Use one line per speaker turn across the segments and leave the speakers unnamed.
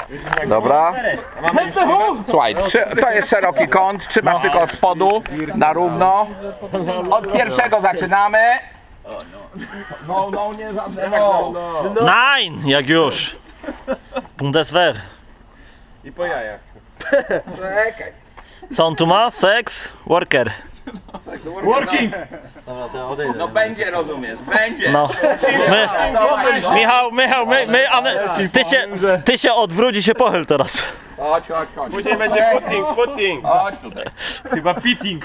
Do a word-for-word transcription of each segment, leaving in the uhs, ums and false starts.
Dobra. Słuchaj, trzy, to jest szeroki kąt, trzymasz tylko od spodu na równo. Od pierwszego zaczynamy. No, no, nie żadne no.
Nine, jak już. Bundeswehr.
I po jajach.
Czekaj.
Co on tu ma? Sex? Worker.
Working. No będzie, rozumiesz, będzie.
No. My, Michał, Michał, my, my, a my, ty się, ty się odwróć i się pochyl teraz.
Chodź, chodź, chodź.
Później będzie putting, putting.
Chodź tutaj.
Chyba pitting.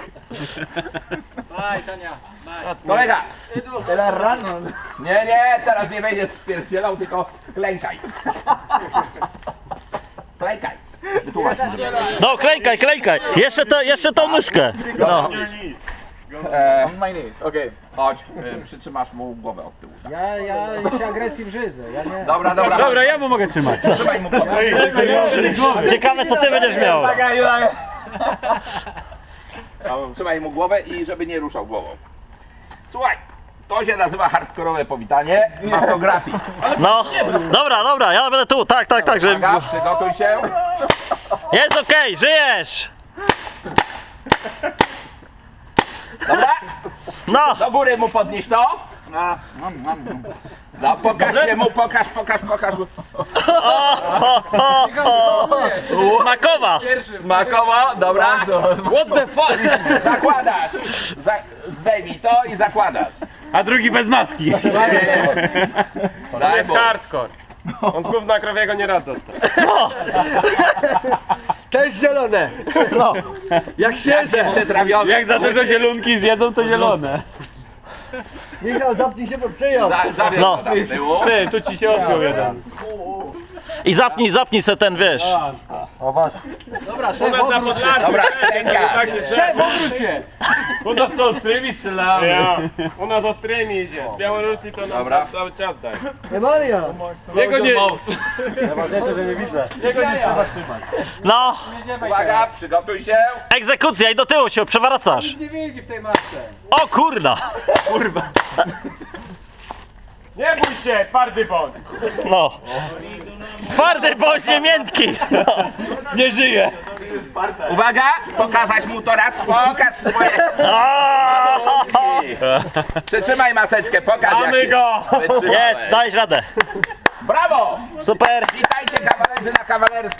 Kolega. Nie, nie, teraz nie będziesz spierdzielał, tylko klękaj. Klękaj. Wytłumacz mi, żeby-
No, klejkaj, klejkaj. Jeszcze to, jeszcze tą nóżkę. No.
E, chodź, e, przytrzymasz mu głowę od tyłu. Tak?
Ja, ja się agresji brzydzę, ja nie.
Dobra, dobra.
Dobra, ja mu mogę trzymać.
Trzymaj mu głowę.
Ciekawe co ty będziesz miał.
Trzymaj mu głowę i żeby nie ruszał głową. Słuchaj, to się nazywa hardkorowe powitanie. Masz to gratis.
No, dobra, dobra, ja będę tu, tak, tak, tak, że
Uwaga, przygotuj się.
jest okej, żyjesz.
Dobra?
No,
Do góry mu podnieś to. No, pokaż się mu, pokaż, pokaż, pokaż.
smakowa.
Smakowo, dobra. What the fuck? Zakładasz. Za, zdejmij to i zakładasz.
A drugi bez maski. To
Daj
jest
mu.
hardcore. On z gówna krowiego nie raz dostał.
To jest zielone!
No.
Jak świeże!
Przetrawiony.
Jak za dużo zielonki zjedzą, to zielone.
Michał, zapnij się pod szyją!
Za, zawiesz
No.
to tam z tyłu.
Ty, tu ci się odbił jeden.
I zapnij, zapnij se ten, wiesz.
Dobra,
U
szef,
nas na
obróć się.
Podlasiu.
Dobra, ręka.
Szef, obróć się.
U nas to ostrymi strzelamy. Ja. U nas ostrymi idzie. Z Białorusi to nam
Dobra.
cały czas daje.
Emalia!
Jego nie... Najważniejsze, że nie widzę. Jego nie trzeba trzymać.
No,
Uwaga, przygotuj się.
egzekucja i do tyłu się przewracasz.
Nic nie widzi w tej masce.
O kurna.
Nie bój się, twardy bądź.
No. Twardy bądź nie miętki. Nie żyje.
Uwaga, pokazać mu to raz, pokaż swoje. Przytrzymaj maseczkę, pokaż
Mamy
jak
go!
wytrzymałeś.
Jest, dajesz radę.
Brawo!
Super.
Witajcie kawalerzy na kawalerskim.